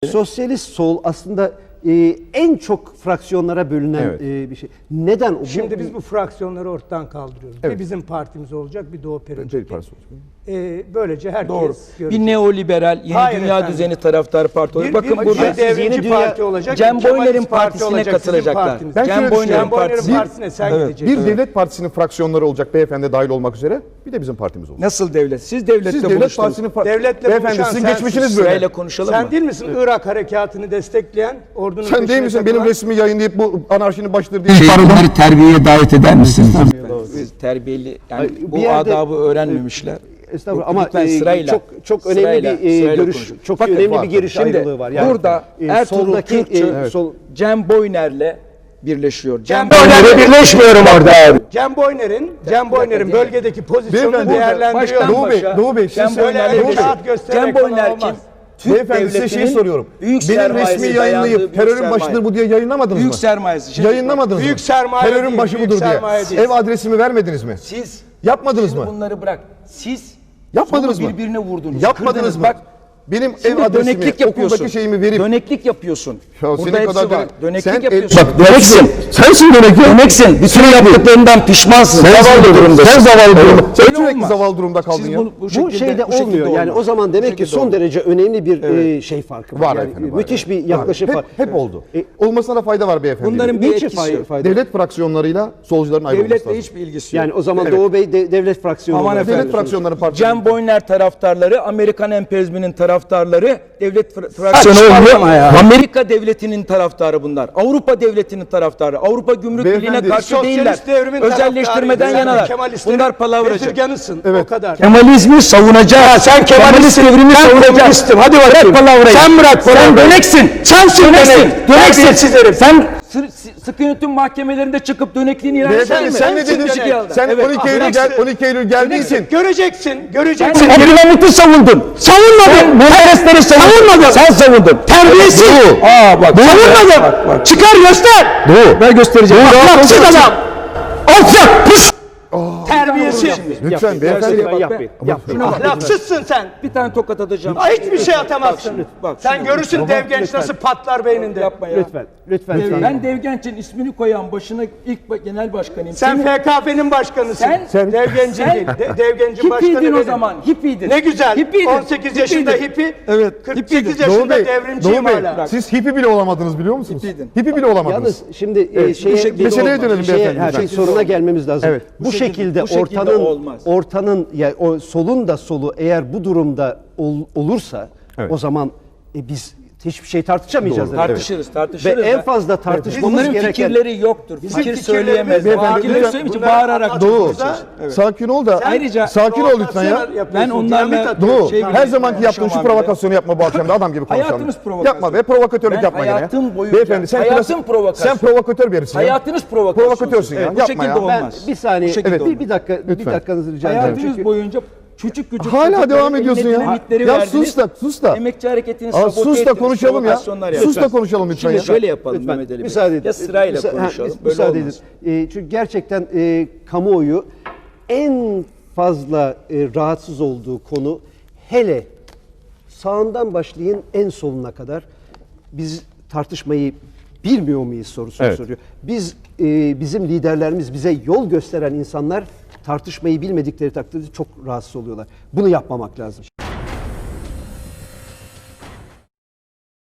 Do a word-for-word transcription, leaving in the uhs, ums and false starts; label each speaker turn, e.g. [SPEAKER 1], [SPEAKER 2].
[SPEAKER 1] Sosyalist sol aslında e, en çok fraksiyonlara bölünen
[SPEAKER 2] Evet.
[SPEAKER 1] e, bir şey. Neden? O?
[SPEAKER 3] Şimdi biz bu fraksiyonları ortadan kaldırıyoruz.
[SPEAKER 2] Evet.
[SPEAKER 3] Bir bizim partimiz olacak, bir Doğu
[SPEAKER 2] Peri
[SPEAKER 3] Perinçek.
[SPEAKER 2] Partisi olacak.
[SPEAKER 3] Ee, böylece herkes
[SPEAKER 4] Doğru.
[SPEAKER 3] görecek.
[SPEAKER 4] Bir neoliberal, yeni
[SPEAKER 3] Hayır
[SPEAKER 4] dünya
[SPEAKER 3] efendim.
[SPEAKER 4] düzeni taraftarı parti olacak.
[SPEAKER 3] Bir,
[SPEAKER 4] Bakın
[SPEAKER 3] bir,
[SPEAKER 4] burada
[SPEAKER 3] bir devrimci
[SPEAKER 1] Yeni dünya-
[SPEAKER 3] parti olacak.
[SPEAKER 4] Cem
[SPEAKER 3] bir Kemalist
[SPEAKER 4] Boyner'in
[SPEAKER 3] parti
[SPEAKER 4] partisine
[SPEAKER 3] olacak, sizin
[SPEAKER 4] katılacaklar.
[SPEAKER 3] partiniz.
[SPEAKER 2] Ben
[SPEAKER 4] Cem
[SPEAKER 2] şöyle
[SPEAKER 4] Boyner'in
[SPEAKER 3] Cem Boyner'in
[SPEAKER 4] partisi.
[SPEAKER 3] partisine sen
[SPEAKER 2] Evet.
[SPEAKER 3] gideceksin.
[SPEAKER 2] Bir devlet partisinin fraksiyonları olacak, beyefendi dahil olmak üzere. Bir de bizim partimiz olacak.
[SPEAKER 4] Nasıl devlet? Siz devlette
[SPEAKER 2] Siz devlet
[SPEAKER 4] buluştunuz.
[SPEAKER 2] partisinin fra-
[SPEAKER 3] Devletle
[SPEAKER 2] beyefendi
[SPEAKER 3] buluşan
[SPEAKER 2] sizin
[SPEAKER 3] sensin.
[SPEAKER 2] geçmişiniz böyle.
[SPEAKER 4] Sırayla konuşalım
[SPEAKER 3] Sen
[SPEAKER 4] mı?
[SPEAKER 3] değil misin Irak harekatını destekleyen, ordunun
[SPEAKER 2] Sen değil
[SPEAKER 3] peşine
[SPEAKER 2] misin
[SPEAKER 3] takılan?
[SPEAKER 2] benim resmi yayınlayıp bu anarşinin başıdır diye.
[SPEAKER 5] Şey, onları terbiyeye davet eder misiniz?
[SPEAKER 4] Siz terbiyeli, yani
[SPEAKER 1] Ay,
[SPEAKER 4] bu
[SPEAKER 1] bir yerde-
[SPEAKER 4] adabı öğrenmemişler.
[SPEAKER 1] Estağfurullah
[SPEAKER 4] Yok,
[SPEAKER 1] ama
[SPEAKER 4] lütfen
[SPEAKER 1] e,
[SPEAKER 4] sırayla,
[SPEAKER 1] çok çok önemli
[SPEAKER 4] sırayla,
[SPEAKER 1] bir e,
[SPEAKER 4] sırayla
[SPEAKER 1] görüş,
[SPEAKER 4] konuşun.
[SPEAKER 1] çok
[SPEAKER 2] Bakın,
[SPEAKER 1] önemli
[SPEAKER 2] var.
[SPEAKER 1] bir görüş
[SPEAKER 4] Şimdi
[SPEAKER 1] ayrılığı var.
[SPEAKER 4] burada
[SPEAKER 1] e,
[SPEAKER 4] Ertuğrul
[SPEAKER 1] soldaki,
[SPEAKER 4] Kürkçü,
[SPEAKER 1] e, sol,
[SPEAKER 4] Cem Boyner'le birleşiyor. Cem
[SPEAKER 3] Cem Boyner'le
[SPEAKER 4] birleşmiyorum orada abi.
[SPEAKER 3] Cem Boyner'in, Cem Boyner'in bölgedeki pozisyonunu
[SPEAKER 2] Beyefendi,
[SPEAKER 3] değerlendiriyor.
[SPEAKER 4] baştan
[SPEAKER 2] Doğu Bey,
[SPEAKER 4] başa
[SPEAKER 2] Doğu Bey, siz
[SPEAKER 4] Cem
[SPEAKER 2] söyle-
[SPEAKER 4] Boyner'le
[SPEAKER 3] Öyle
[SPEAKER 2] Doğu Bey.
[SPEAKER 4] birleşiyor.
[SPEAKER 3] kağıt göstererek
[SPEAKER 4] Cem
[SPEAKER 3] falan
[SPEAKER 4] Boyner
[SPEAKER 3] olmaz.
[SPEAKER 4] kim? Türk
[SPEAKER 2] Beyefendi size şeyi
[SPEAKER 4] devletinin
[SPEAKER 2] soruyorum.
[SPEAKER 4] büyük
[SPEAKER 2] Benim
[SPEAKER 4] sermayesi
[SPEAKER 2] resmi
[SPEAKER 4] dayandığı
[SPEAKER 2] yayınlayıp
[SPEAKER 4] büyük
[SPEAKER 2] terörün
[SPEAKER 4] sermaye.
[SPEAKER 2] başıdır bu diye yayınlamadınız
[SPEAKER 4] Büyük
[SPEAKER 2] mı?
[SPEAKER 4] sermayesi. Şimdi
[SPEAKER 2] Yayınlamadınız
[SPEAKER 3] Büyük
[SPEAKER 2] mı?
[SPEAKER 3] sermaye
[SPEAKER 2] Terörün
[SPEAKER 3] değil,
[SPEAKER 2] başı
[SPEAKER 3] büyük
[SPEAKER 2] budur diye.
[SPEAKER 3] sermaye değil.
[SPEAKER 2] Ev adresimi vermediniz mi?
[SPEAKER 4] Siz
[SPEAKER 2] Yapmadınız
[SPEAKER 4] şimdi
[SPEAKER 2] mı?
[SPEAKER 4] bunları bırak. Siz
[SPEAKER 2] Yapmadınız
[SPEAKER 4] solu
[SPEAKER 2] mı?
[SPEAKER 4] birbirine vurdunuz.
[SPEAKER 2] Yapmadınız
[SPEAKER 4] kırdınız.
[SPEAKER 2] mı?
[SPEAKER 4] Bak,
[SPEAKER 2] Benim
[SPEAKER 4] şimdi
[SPEAKER 2] ev adresimi,
[SPEAKER 4] döneklik yapıyorsun.
[SPEAKER 2] okuldaki şeyimi verip
[SPEAKER 4] Döneklik yapıyorsun.
[SPEAKER 2] Ya
[SPEAKER 4] Burada
[SPEAKER 2] senin
[SPEAKER 4] hepsi
[SPEAKER 2] kadar
[SPEAKER 4] var.
[SPEAKER 2] dönek-
[SPEAKER 4] Döneklik
[SPEAKER 2] sen el-
[SPEAKER 4] yapıyorsun.
[SPEAKER 2] Bak,
[SPEAKER 5] Döneksin. Sensin dönek. Döneksin. Bütün yaptıklarından pişmansın. Zavallı durumda. Sen zavallı durumda.
[SPEAKER 2] sen
[SPEAKER 4] Öyle
[SPEAKER 2] sürekli
[SPEAKER 4] olmaz.
[SPEAKER 2] zavallı durumda kaldın
[SPEAKER 4] Siz
[SPEAKER 2] ya.
[SPEAKER 4] bunu bu
[SPEAKER 1] bu
[SPEAKER 4] şekilde,
[SPEAKER 1] şeyde
[SPEAKER 4] bu şekilde
[SPEAKER 1] olmuyor. Yani
[SPEAKER 4] olmaz.
[SPEAKER 1] o zaman demek ki
[SPEAKER 4] şekilde
[SPEAKER 1] son
[SPEAKER 4] olmaz.
[SPEAKER 1] derece önemli bir e, şey farkı var.
[SPEAKER 2] Var
[SPEAKER 1] Yani
[SPEAKER 2] efendim, var,
[SPEAKER 1] müthiş
[SPEAKER 2] evet.
[SPEAKER 1] bir yaklaşım
[SPEAKER 2] Hep,
[SPEAKER 1] var.
[SPEAKER 2] hep oldu.
[SPEAKER 1] E,
[SPEAKER 2] Olmasına da fayda var beyefendi.
[SPEAKER 4] Bunların bir
[SPEAKER 1] Niçin
[SPEAKER 4] etkisi
[SPEAKER 1] fayda,
[SPEAKER 4] yok.
[SPEAKER 1] fayda?
[SPEAKER 2] Devlet fraksiyonlarıyla solcuların ayrılması
[SPEAKER 4] Devletle
[SPEAKER 2] lazım.
[SPEAKER 4] hiçbir ilgisi yok.
[SPEAKER 1] Yani o zaman
[SPEAKER 2] Evet.
[SPEAKER 1] Doğu Bey de, devlet fraksiyonu.
[SPEAKER 4] Aman
[SPEAKER 1] olarak
[SPEAKER 4] efendim.
[SPEAKER 2] Devlet fraksiyonları partisi.
[SPEAKER 4] Cem Boyner taraftarları, Amerikan emperyalizminin taraftarları, devlet fra- fraksiyonu
[SPEAKER 5] Saçmalama
[SPEAKER 4] olmuyor.
[SPEAKER 5] ya.
[SPEAKER 4] Amerika devletinin taraftarı bunlar. Avrupa devletinin taraftarı. Avrupa Gümrük
[SPEAKER 2] Beyefendi,
[SPEAKER 4] Birliği'ne karşı
[SPEAKER 3] Sosyalist
[SPEAKER 4] değiller.
[SPEAKER 3] devrimin
[SPEAKER 4] Özelleştirmeden
[SPEAKER 3] taraftarıydı. Sen
[SPEAKER 4] yanalar.
[SPEAKER 3] Kemalistlerin
[SPEAKER 4] Bunlar palavracı.
[SPEAKER 3] bezirganısın.
[SPEAKER 2] Evet.
[SPEAKER 3] O kadar.
[SPEAKER 5] Kemalizmi savunacağız. Sen Kemalist devrimi savunacaksın. Hadi bakayım. Bırak palavrayı. Sen bırak Sen döneksin. Sensin dönek. Döneksin. Sen
[SPEAKER 4] Sı- sı- Sıkı yönetim mahkemelerinde çıkıp dönekliğini ilan eder
[SPEAKER 2] Beyefendi
[SPEAKER 4] mi?
[SPEAKER 2] sen ne dedin?
[SPEAKER 3] dönek.
[SPEAKER 2] Sen
[SPEAKER 4] Evet.
[SPEAKER 2] on iki Eylül gel on iki Eylül geldiysin.
[SPEAKER 3] Göreceksin, göreceksin.
[SPEAKER 5] Abdülhamit'i savundun. Savunmadın. Menderesleri savunmadın. Sen savundun. Terbiyesiz. Aa bak. Savunmadın. Çıkar göster. Doğu. Ben göstereceğim. Ahlaksız adam. Alçak. Pis.
[SPEAKER 3] Terbiyesiz.
[SPEAKER 2] Lütfen beyefendi.
[SPEAKER 1] Lütfen yapmayın. Yapmayın.
[SPEAKER 3] Ahlaksızsın sen.
[SPEAKER 4] Bir tane tokat atacağım.
[SPEAKER 3] Ay, hiçbir şey atamazsın.
[SPEAKER 4] Bak,
[SPEAKER 3] Sen
[SPEAKER 4] şunu-
[SPEAKER 3] görürsün dev genç nasıl patlar beyninde.
[SPEAKER 4] Yapma ya.
[SPEAKER 1] Lütfen. Lütfen.
[SPEAKER 4] Dev- Ben Devgenç'in ismini koyan başına ilk ba- genel başkanıyım.
[SPEAKER 3] Sen
[SPEAKER 4] Senin-
[SPEAKER 3] F K P'nin başkanısın.
[SPEAKER 4] Sen-
[SPEAKER 3] Sen dev gencin
[SPEAKER 4] sen-
[SPEAKER 3] değil. De, dev gencin başkanı
[SPEAKER 4] Hippiydin o
[SPEAKER 3] benim.
[SPEAKER 4] zaman. Hippiydin.
[SPEAKER 3] Ne güzel.
[SPEAKER 4] Hippiydin.
[SPEAKER 3] on sekiz yaşında
[SPEAKER 4] Hippiydin.
[SPEAKER 3] hippi.
[SPEAKER 2] Evet.
[SPEAKER 3] kırk sekiz
[SPEAKER 2] Doğu
[SPEAKER 3] yaşında
[SPEAKER 2] Bey,
[SPEAKER 3] devrimciyim
[SPEAKER 2] Doğu Bey,
[SPEAKER 3] hala.
[SPEAKER 2] siz hippi bile olamadınız biliyor musunuz?
[SPEAKER 4] Hippiydin.
[SPEAKER 2] Hippi bile olamadınız.
[SPEAKER 1] Yalnız şimdi e, şeye,
[SPEAKER 4] bu şekilde
[SPEAKER 1] bir-
[SPEAKER 2] Meseleye dönelim
[SPEAKER 1] şeye-
[SPEAKER 2] beyefendi,
[SPEAKER 1] ha,
[SPEAKER 2] lütfen.
[SPEAKER 1] şey, soruna gelmemiz lazım.
[SPEAKER 2] Evet.
[SPEAKER 1] Bu,
[SPEAKER 4] Bu şekilde-
[SPEAKER 1] şekilde,
[SPEAKER 4] bu şekilde
[SPEAKER 1] ortanın
[SPEAKER 4] olmaz.
[SPEAKER 1] ortanın ya o solun da solu eğer bu durumda ol- olursa
[SPEAKER 2] Evet.
[SPEAKER 1] o zaman e, biz hiçbir şey tartışamayacağız.
[SPEAKER 2] Doğru.
[SPEAKER 1] demek.
[SPEAKER 4] Tartışırız,
[SPEAKER 1] Ve
[SPEAKER 4] tartışırız.
[SPEAKER 1] en
[SPEAKER 4] da.
[SPEAKER 1] fazla tartışmamız
[SPEAKER 4] Bunların
[SPEAKER 1] gereken
[SPEAKER 4] fikirleri yoktur.
[SPEAKER 3] Bizim
[SPEAKER 4] Fikir
[SPEAKER 3] fikirlerimiz-
[SPEAKER 4] söyleyemez.
[SPEAKER 2] Beyefendi,
[SPEAKER 4] Fikirleri
[SPEAKER 2] lütfen
[SPEAKER 4] söyleyemeyince
[SPEAKER 3] bunları
[SPEAKER 4] bağırarak
[SPEAKER 3] anlatıyoruz.
[SPEAKER 2] Doğu,
[SPEAKER 3] Evet.
[SPEAKER 2] sakin ol da.
[SPEAKER 4] Ayrıca-
[SPEAKER 2] sakin ol lütfen ya.
[SPEAKER 4] Ben onlarla-
[SPEAKER 2] Doğu,
[SPEAKER 4] Şey
[SPEAKER 2] her
[SPEAKER 4] bile-
[SPEAKER 2] zamanki yaptığın şu
[SPEAKER 4] konuşamam
[SPEAKER 2] provokasyonu yapma bu akşam da adam gibi konuşalım.
[SPEAKER 4] Hayatınız provokasyon.
[SPEAKER 2] Yapma ve provokatörlük
[SPEAKER 4] Ben
[SPEAKER 2] yapma gene.
[SPEAKER 4] hayatım boyunca-
[SPEAKER 2] Beyefendi sen
[SPEAKER 4] hayatım
[SPEAKER 2] klasik-
[SPEAKER 4] provokasyon.
[SPEAKER 2] Sen provokatör bir herifsin ya.
[SPEAKER 4] Hayatınız provokasyon.
[SPEAKER 2] Provokatörsün ya,
[SPEAKER 4] Bu
[SPEAKER 2] yapma
[SPEAKER 4] şekilde
[SPEAKER 2] ya.
[SPEAKER 1] ben
[SPEAKER 4] olmaz.
[SPEAKER 1] bir saniye
[SPEAKER 4] Bu şekilde
[SPEAKER 2] Evet.
[SPEAKER 1] bir, bir dakika bir
[SPEAKER 2] Lütfen.
[SPEAKER 1] dakikanızı rica edeceğim.
[SPEAKER 4] Hayatınız
[SPEAKER 1] Çünkü
[SPEAKER 4] boyunca küçük küçük
[SPEAKER 2] Hala
[SPEAKER 4] çocukların
[SPEAKER 2] devam ediyorsun
[SPEAKER 4] eline
[SPEAKER 2] ya.
[SPEAKER 4] dinamitleri
[SPEAKER 2] Ya
[SPEAKER 4] verdiniz.
[SPEAKER 2] sus da sus da.
[SPEAKER 4] Emekçi hareketini
[SPEAKER 2] Aa,
[SPEAKER 4] sabote
[SPEAKER 2] sus da
[SPEAKER 4] ettiniz,
[SPEAKER 2] konuşalım ya.
[SPEAKER 4] provokasyonlar
[SPEAKER 2] Sus da
[SPEAKER 4] yaptınız.
[SPEAKER 2] konuşalım lütfen
[SPEAKER 4] Şimdi
[SPEAKER 2] ya.
[SPEAKER 4] şöyle yapalım
[SPEAKER 1] Lütfen,
[SPEAKER 4] Mehmet Ali Bey.
[SPEAKER 1] müsaade edin.
[SPEAKER 4] Ya sırayla
[SPEAKER 1] Müsa- ha,
[SPEAKER 4] konuşalım.
[SPEAKER 1] müsa-
[SPEAKER 4] Böyle
[SPEAKER 1] müsaade
[SPEAKER 4] olmaz.
[SPEAKER 1] edin. E, çünkü gerçekten e, kamuoyu en fazla e, rahatsız olduğu konu hele sağından başlayın en soluna kadar biz tartışmayı bilmiyor muyuz sorusunu
[SPEAKER 2] Evet.
[SPEAKER 1] soruyor. Biz e, bizim liderlerimiz bize yol gösteren insanlar tartışmayı bilmedikleri takdirde çok rahatsız oluyorlar. Bunu yapmamak lazım.